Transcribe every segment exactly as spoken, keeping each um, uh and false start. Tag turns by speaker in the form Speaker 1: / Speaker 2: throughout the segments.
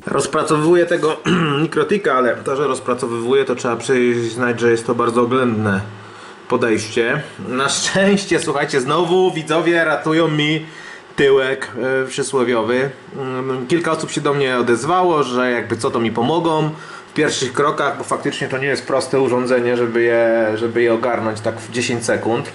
Speaker 1: Rozpracowuję tego Nikrotika, ale to, że rozpracowywuję, to trzeba przyznać, że jest to bardzo oględne podejście. Na szczęście, słuchajcie, znowu widzowie ratują mi tyłek yy, przysłowiowy. Yy, kilka osób się do mnie odezwało, że jakby co to mi pomogą w pierwszych krokach, bo faktycznie to nie jest proste urządzenie, żeby je, żeby je ogarnąć tak w dziesięć sekund.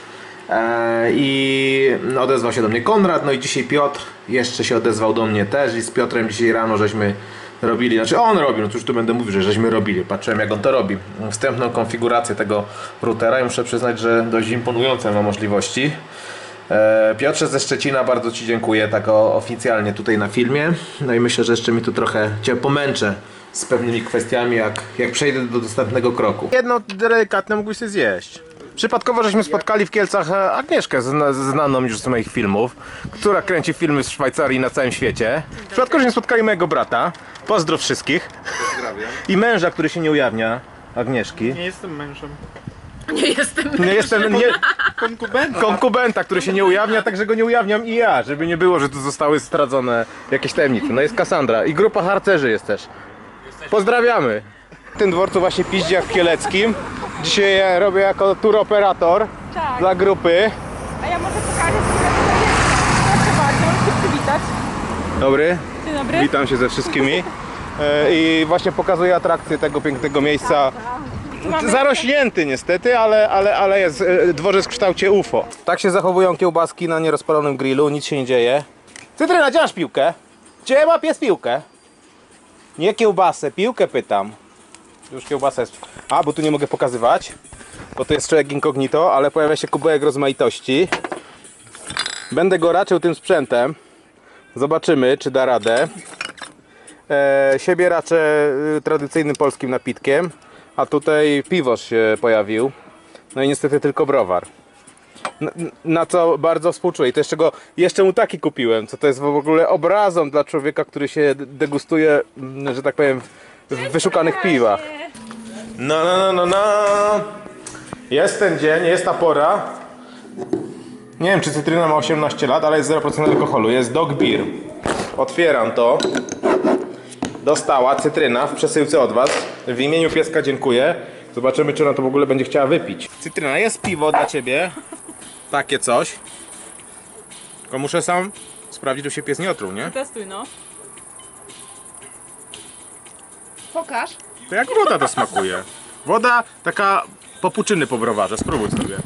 Speaker 1: I odezwał się do mnie Konrad, no i dzisiaj Piotr jeszcze się odezwał do mnie też i z Piotrem dzisiaj rano żeśmy robili, znaczy on robił, no cóż tu będę mówił, że żeśmy robili, patrzyłem jak on to robi, wstępną konfigurację tego routera i muszę przyznać, że dość imponujące ma możliwości. Piotrze ze Szczecina, bardzo Ci dziękuję tak oficjalnie tutaj na filmie, no i myślę, że jeszcze mi tu trochę Cię pomęczę z pewnymi kwestiami, jak, jak przejdę do następnego kroku. Jedno delikatne mógłbyś sobie zjeść. Przypadkowo żeśmy spotkali w Kielcach Agnieszkę, zna, znaną już z moich filmów, która kręci filmy z Szwajcarii na całym świecie. Przypadkowo żeśmy spotkali mojego brata, pozdrow wszystkich. Pozdrawiam. I męża, który się nie ujawnia, Agnieszki.
Speaker 2: Nie jestem mężem.
Speaker 3: Nie jestem mężem.
Speaker 1: Nie jestem, nie,
Speaker 2: Konkubenta.
Speaker 1: konkubenta, który się nie ujawnia, także go nie ujawniam i ja, żeby nie było, że tu zostały zdradzone jakieś tajemnice. No jest Kassandra i grupa harcerzy jest też. Pozdrawiamy. W tym dworcu właśnie Piździach Kieleckim. Dzisiaj ja robię jako tour operator
Speaker 3: Tak.
Speaker 1: dla grupy.
Speaker 3: A ja może pokażę, co proszę bardzo, możesz się przywitać.
Speaker 1: Dobry,
Speaker 3: Dzień dobry.
Speaker 1: witam się ze wszystkimi. E, I właśnie pokazuję atrakcję tego pięknego miejsca. Zarośnięty niestety, ale, ale, ale jest e, dworzec w kształcie U F O. Tak się zachowują kiełbaski na nierozpalonym grillu, nic się nie dzieje. Cytryna, gdzie masz piłkę? Gdzie ma pies piłkę? Nie kiełbasę, piłkę pytam. Już kiełbasa jest. A, bo tu nie mogę pokazywać, bo to jest człowiek incognito, ale pojawia się kubełek rozmaitości. Będę go raczył tym sprzętem. Zobaczymy, czy da radę. E, siebie raczę y, tradycyjnym polskim napitkiem, a tutaj piwoż się pojawił. No i niestety tylko browar. Na, na co bardzo współczuję. I to jeszcze go, jeszcze mu taki kupiłem, co to jest w ogóle obrazą dla człowieka, który się degustuje, że tak powiem, w wyszukanych piwach. No, no, no, no, no. Jest ten dzień, jest ta pora. Nie wiem, czy cytryna ma osiemnaście lat, ale jest zero procent alkoholu. Jest Dog Beer. Otwieram to. Dostała cytryna w przesyłce od Was. W imieniu pieska dziękuję. Zobaczymy, czy ona to w ogóle będzie chciała wypić. Cytryna, jest piwo dla Ciebie. Takie coś. Tylko muszę sam sprawdzić, czy się pies nie otruł, nie?
Speaker 3: Testuj, no. Pokaż.
Speaker 1: To jak woda to smakuje. Woda taka popuczyny po browarze. Spróbuj sobie.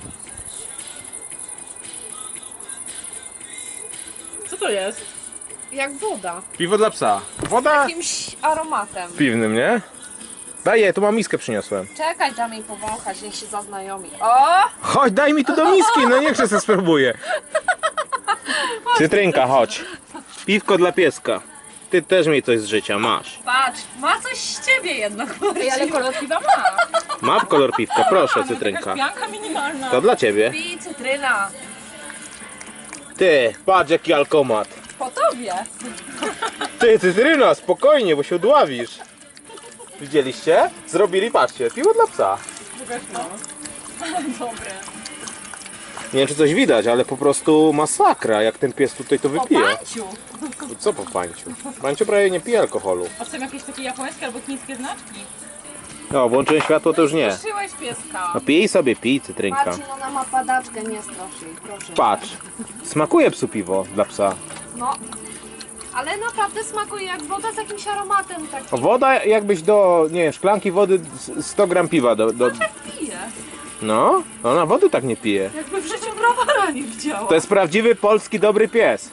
Speaker 3: Co to jest?
Speaker 4: Jak woda.
Speaker 1: Piwo dla psa. Woda
Speaker 4: Jakimś aromatem.
Speaker 1: piwnym, nie? Daj je, tu mam miskę przyniosłem.
Speaker 4: Czekaj, dam jej powąchać, niech się zaznajomi. O!
Speaker 1: Chodź, daj mi tu do miski, no niech się se spróbuję. Cytrynka, chodź. Piwko dla pieska. Ty też miej coś z życia, masz.
Speaker 4: Patrz, ma coś z ciebie jednak.
Speaker 3: Ej, ale kolor piwa ma.
Speaker 1: Mam kolor piwka, proszę, cytrynka.
Speaker 3: Pianka minimalna.
Speaker 1: To dla ciebie.
Speaker 4: Pij cytryna.
Speaker 1: Ty, patrz jaki alkomat.
Speaker 4: Po tobie.
Speaker 1: Ty, cytryna, spokojnie, bo się udławisz. Widzieliście? Zrobili, patrzcie, piwo dla psa.
Speaker 3: Pokaż, no. Dobre.
Speaker 1: Nie wiem, czy coś widać, ale po prostu masakra, jak ten pies tutaj to
Speaker 3: O,
Speaker 1: wypije.
Speaker 3: panciu.
Speaker 1: Co po panciu? Panciu prawie nie pije alkoholu.
Speaker 3: A są jakieś takie japońskie albo chińskie znaczki?
Speaker 1: No, włączyłem światło, to już nie.
Speaker 4: Straszyłeś pieska.
Speaker 1: No pij sobie, pij, cytrynka.
Speaker 4: Marcin, ona ma padaczkę, nie strasz jej, proszę.
Speaker 1: Patrz, smakuje psu piwo dla psa.
Speaker 4: No. Ale naprawdę smakuje jak woda z jakimś aromatem takim.
Speaker 1: Woda jakbyś do, nie wiem, szklanki wody sto gram piwa do, do...
Speaker 4: Pije.
Speaker 1: No, ona wody tak nie pije.
Speaker 4: Jakby w życiu browara nie widziała.
Speaker 1: To jest prawdziwy polski dobry pies.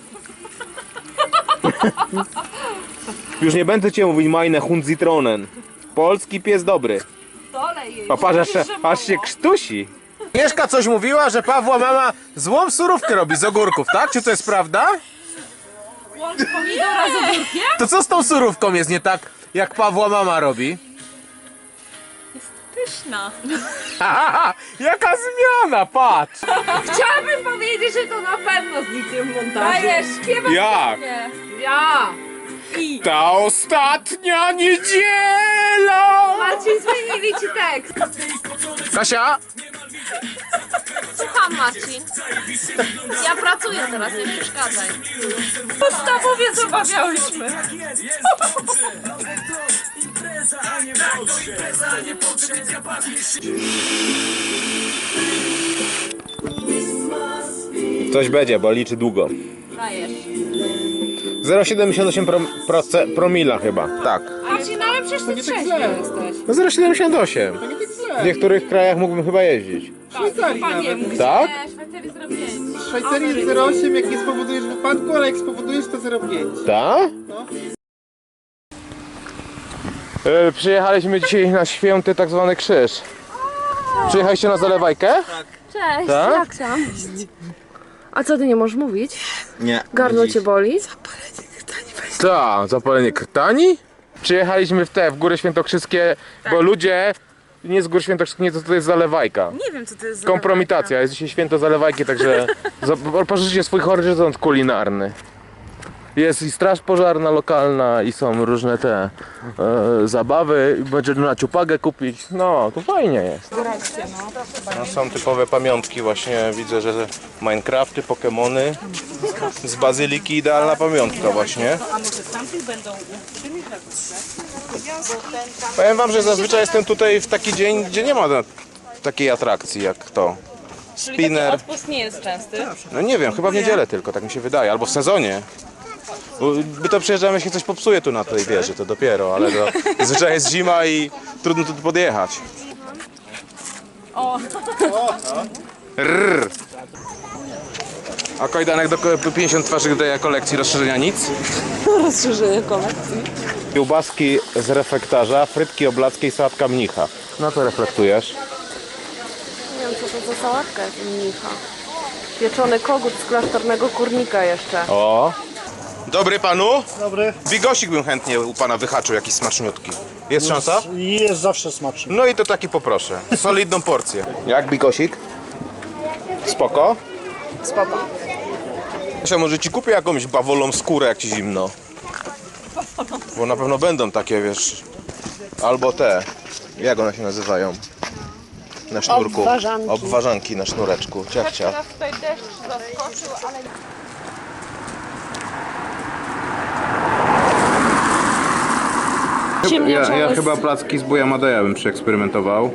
Speaker 1: Już nie będę cię mówić meine Hund Zitronen. Polski pies dobry.
Speaker 4: Dolej jej.
Speaker 1: Patrz, aż,
Speaker 4: Powiedz, że
Speaker 1: aż się
Speaker 4: mało.
Speaker 1: krztusi. Mieszka coś mówiła, że Pawła mama złą surówkę robi z ogórków, tak? Czy to jest prawda?
Speaker 4: Łącz pomidora z ogórkiem?
Speaker 1: To co z tą surówką jest nie tak, jak Pawła mama robi?
Speaker 3: Pyszna.
Speaker 1: Haha, jaka zmiana, patrz!
Speaker 4: Chciałabym powiedzieć, że to na pewno z niczym w montażu.
Speaker 3: Dajesz, śpiewaj.
Speaker 1: Jak?
Speaker 3: Nie.
Speaker 4: Ja!
Speaker 3: I.
Speaker 1: Ta ostatnia niedziela!
Speaker 4: Marcin, zmienili ci tekst.
Speaker 1: Kasia?
Speaker 4: Słucham, Marcin. Ja pracuję teraz, nie przeszkadzaj.
Speaker 3: Podstawowiec obawiałyśmy.
Speaker 1: Coś będzie, bo liczy długo.
Speaker 4: Dajesz.
Speaker 1: zero przecinek siedemdziesiąt osiem pro, proce, promila chyba. Tak.
Speaker 3: Marcin, ale przecież ty trzeźwy jesteś.
Speaker 1: No zero przecinek siedemdziesiąt osiem. W niektórych krajach mógłbym chyba jeździć.
Speaker 2: Szwajcarii
Speaker 3: Chyba nie
Speaker 2: nawet.
Speaker 3: mógł.
Speaker 1: Tak?
Speaker 4: Nie, Szwajcarii zrobię zdjęcie.
Speaker 2: W Szwajcarii jest zero przecinek osiem, jak nie spowodujesz wypadku, ale jak spowodujesz to zero przecinek pięć.
Speaker 1: Tak?
Speaker 2: No.
Speaker 1: E, przyjechaliśmy dzisiaj na święty tak zwany krzyż. Przyjechaliście na zalewajkę?
Speaker 5: Cześć,
Speaker 1: Tak?
Speaker 5: jak tam? A co, ty nie możesz mówić?
Speaker 2: Nie.
Speaker 5: Gardło cię boli?
Speaker 1: Tak, zapalenie krtani. Przyjechaliśmy w te, w Góry Świętokrzyskie, bo ludzie nie z Gór Świętokrzyskich, nie to, to jest zalewajka.
Speaker 3: Nie wiem, co to jest za
Speaker 1: Kompromitacja, jest dzisiaj święto zalewajki, także za- poszerzycie swój horyzont kulinarny. Jest i straż pożarna lokalna i są różne te e, zabawy, będzie na ciupagę kupić, no to fajnie jest. No, są typowe pamiątki właśnie, widzę, że Minecrafty, Pokemony, z Bazyliki idealna pamiątka właśnie. Powiem wam, że zazwyczaj jestem tutaj w taki dzień, gdzie nie ma na- takiej atrakcji jak to. Spinner.
Speaker 3: Odpust nie jest częsty.
Speaker 1: No nie wiem, chyba w niedzielę tylko, tak mi się wydaje, albo w sezonie. Bo my to przyjeżdżamy, się coś popsuje tu na tej wieży, to dopiero, ale to zazwyczaj jest zima i trudno tu podjechać.
Speaker 3: O,
Speaker 1: Rrr. A kajdanek do ko- pięćdziesiąt twarzy daje kolekcji rozszerzenia nic?
Speaker 3: rozszerzenie kolekcji.
Speaker 1: Kiełbaski z reflektarza, frytki oblackie i sałatka mnicha. No to reflektujesz.
Speaker 5: Nie wiem, co to za sałatka jest mnicha. Pieczony kogut z klasztornego kurnika jeszcze.
Speaker 1: O! Dobry panu?
Speaker 6: Dobry.
Speaker 1: Bigosik bym chętnie u pana wyhaczył, jakiś smaczniutki. Jest szansa?
Speaker 6: Jest zawsze smaczny.
Speaker 1: No i to taki poproszę. Solidną porcję. Jak bigosik? Spoko?
Speaker 5: Spoko.
Speaker 1: Kasia, może ci kupię jakąś bawolą skórę, jak ci zimno. Bo na pewno będą takie, wiesz. Albo te. Jak one się nazywają? Na sznurku.
Speaker 5: Obwarzanki.
Speaker 1: Obwarzanki na sznureczku. Ciach, ciach.
Speaker 3: Teraz tutaj deszcz zaskoczył, ale...
Speaker 1: Ja, ja chyba placki z buja Madeja bym przeeksperymentował.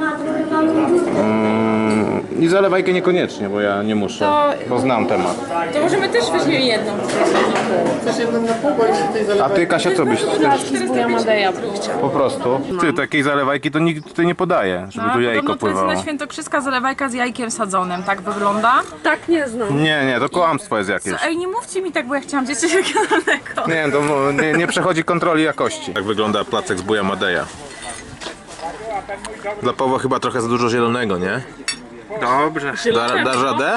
Speaker 1: Mm, I zalewajkę niekoniecznie, bo ja nie muszę, bo znam temat.
Speaker 3: To możemy też weźmiemy jedną.
Speaker 2: Chcesz jedną na pół, bo jeszcze tej
Speaker 1: A
Speaker 2: zalewaj.
Speaker 1: ty, Kasia, co byś też
Speaker 5: Placki z buja Madeja bym chciał.
Speaker 1: po prostu? Ty, takiej zalewajki to nikt tutaj nie podaje, żeby tu jajko
Speaker 3: Podobno to jest
Speaker 1: pływało.
Speaker 3: na świętokrzyska zalewajka z jajkiem sadzonym, tak wygląda.
Speaker 5: Tak nie znam.
Speaker 1: Nie, nie, to kłamstwo jest jakieś.
Speaker 3: Ej, nie mówcie mi tak, bo ja chciałam gdzieś coś regionalnego.
Speaker 1: Nie, to nie, nie przechodzi kontroli jakości. Tak wygląda placek z buja Madeja. Dla Pawła chyba trochę za dużo zielonego, nie?
Speaker 2: Dobrze.
Speaker 1: Da, dasz radę?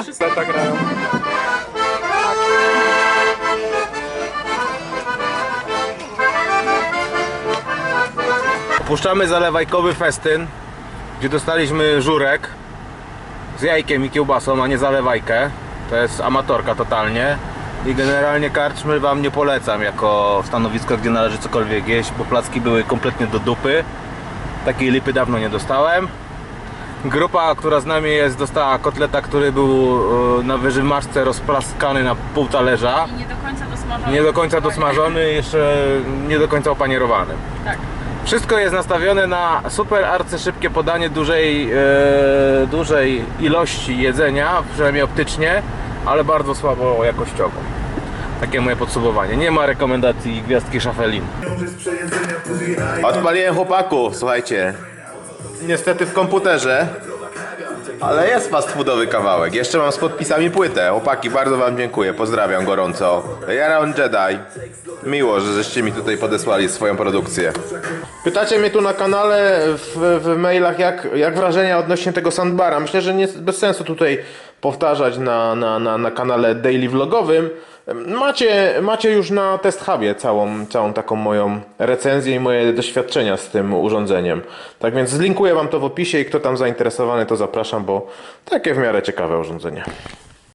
Speaker 1: Puszczamy zalewajkowy festyn, gdzie dostaliśmy żurek z jajkiem i kiełbasą, a nie zalewajkę. To jest amatorka totalnie. I generalnie karczmy wam nie polecam jako stanowisko, gdzie należy cokolwiek jeść, bo placki były kompletnie do dupy. Takiej lipy dawno nie dostałem. Grupa, która z nami jest, dostała kotleta, który był e, na wyżymaszce rozplaskany na pół talerza.
Speaker 3: Nie do końca dosmażony.
Speaker 1: Nie do końca dosmażony, jeszcze nie do końca opanierowany.
Speaker 3: Tak.
Speaker 1: Wszystko jest nastawione na super arcyszybkie podanie dużej, e, dużej ilości jedzenia, przynajmniej optycznie, ale bardzo słabo jakościowo. Takie moje podsumowanie. Nie ma rekomendacji gwiazdki Szafelin. Odpaliłem chłopaków, słuchajcie. Niestety w komputerze, ale jest fast foodowy kawałek. Jeszcze mam z podpisami płytę. Chłopaki, bardzo wam dziękuję. Pozdrawiam gorąco. Jaron Jedi. Miło, że żeście mi tutaj podesłali swoją produkcję. Pytacie mnie tu na kanale, w, w mailach, jak, jak wrażenia odnośnie tego sandbara. Myślę, że nie, bez sensu tutaj powtarzać na, na, na, na kanale daily vlogowym. Macie, macie już na Test Hubie całą, całą taką moją recenzję i moje doświadczenia z tym urządzeniem. Tak więc zlinkuję wam to w opisie i kto tam zainteresowany, to zapraszam, bo takie w miarę ciekawe urządzenie.